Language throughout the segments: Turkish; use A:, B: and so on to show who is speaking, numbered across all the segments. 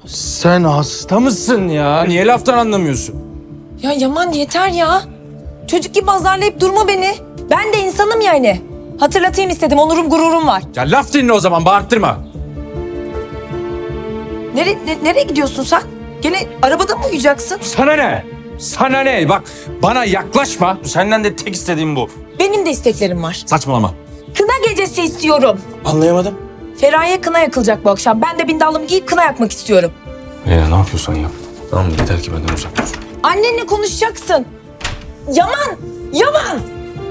A: Sen hasta mısın ya? Niye laftan anlamıyorsun?
B: Ya Yaman yeter ya. Çocuk gibi azarlayıp durma beni. Ben de insanım yani. Hatırlatayım istedim, onurum gururum var.
A: Ya laf dinle o zaman, bağırttırma.
B: Nereye gidiyorsun sen? Gene arabada mı uyuyacaksın?
A: Sana ne? Sana ne? Bak bana yaklaşma. Senden de tek istediğim bu.
B: Benim de isteklerim var.
A: Saçmalama.
B: Kına gecesi istiyorum.
A: Anlayamadım.
B: Feraye kına yakılacak bu akşam. Ben de bindallımı giyip kına yakmak istiyorum.
A: Leyla ne yapıyorsan yap. Tamam mı? Yeter ki benden uzak dur.
B: Annenle konuşacaksın. Yaman! Yaman!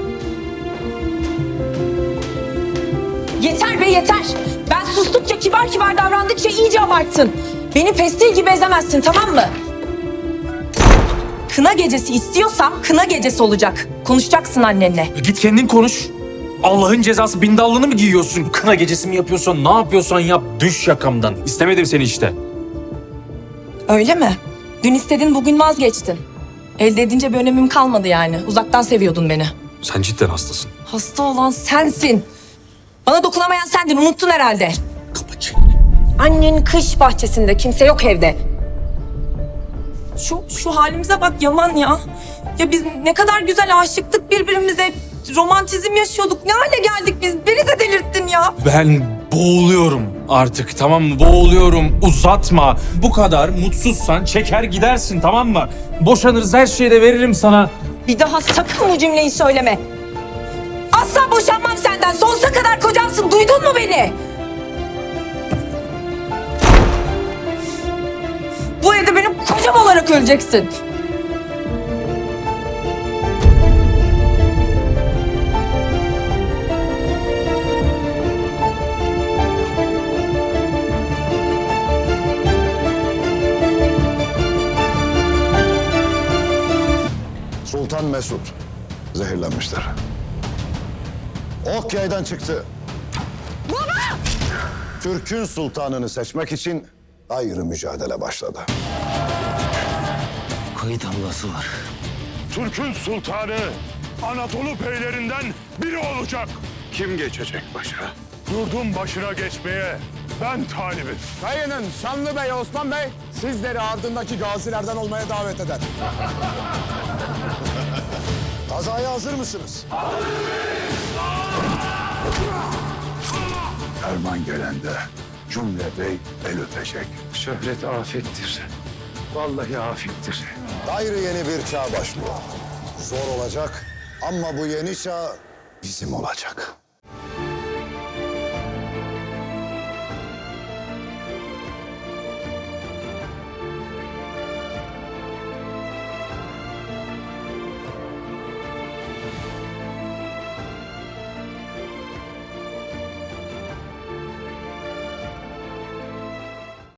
B: Yeter be yeter. Ben sustukça, kibar kibar davrandıkça iyice abarttın. Beni pestil gibi ezemezsin, tamam mı? Kına gecesi istiyorsam kına gecesi olacak. Konuşacaksın annenle.
A: Git kendin konuş. Allah'ın cezası bindallığını mı giyiyorsun? Kına gecesi mi yapıyorsan, ne yapıyorsan yap. Düş yakamdan. İstemedim seni işte.
B: Öyle mi? Dün istedin, bugün vazgeçtin. Elde edince bir önemim kalmadı yani. Uzaktan seviyordun beni.
A: Sen cidden hastasın.
B: Hasta olan sensin. Bana dokunamayan sendin, unuttun herhalde.
A: Kapa çeneni.
B: Annen kış bahçesinde, kimse yok evde. Şu halimize bak Yaman ya. Ya biz ne kadar güzel aşıktık birbirimize. Romantizm yaşıyorduk. Ne hale geldik biz? Beni de delirttin ya.
A: Ben boğuluyorum artık, tamam mı? Boğuluyorum. Uzatma. Bu kadar mutsuzsan çeker gidersin, tamam mı? Boşanırız, her şeyi de veririm sana.
B: Bir daha sakın bu cümleyi söyleme. Asla boşanmam senden. Sonsuza kadar kocamsın. Duydun mu beni? Bu evde benim kocam olarak öleceksin.
C: Sultan Mesut zehirlenmişler. Ok yaydan çıktı. Baba! Türk'ün sultanını seçmek için ayrı mücadele başladı.
D: Kayıt ablası var.
E: Türk'ün sultanı Anadolu beylerinden biri olacak.
C: Kim geçecek başa?
E: Yurdun başına geçmeye ben talibim.
F: Kayının Şanlı Bey Osman Bey sizleri ardındaki gazilerden olmaya davet eder.
C: Kazaya hazır mısınız?
E: Ferman gelende cümle bey el öpecek.
D: Şöhret afettir. Vallahi afettir.
C: Gayrı yeni bir çağ başlıyor. Zor olacak ama bu yeni çağ bizim olacak.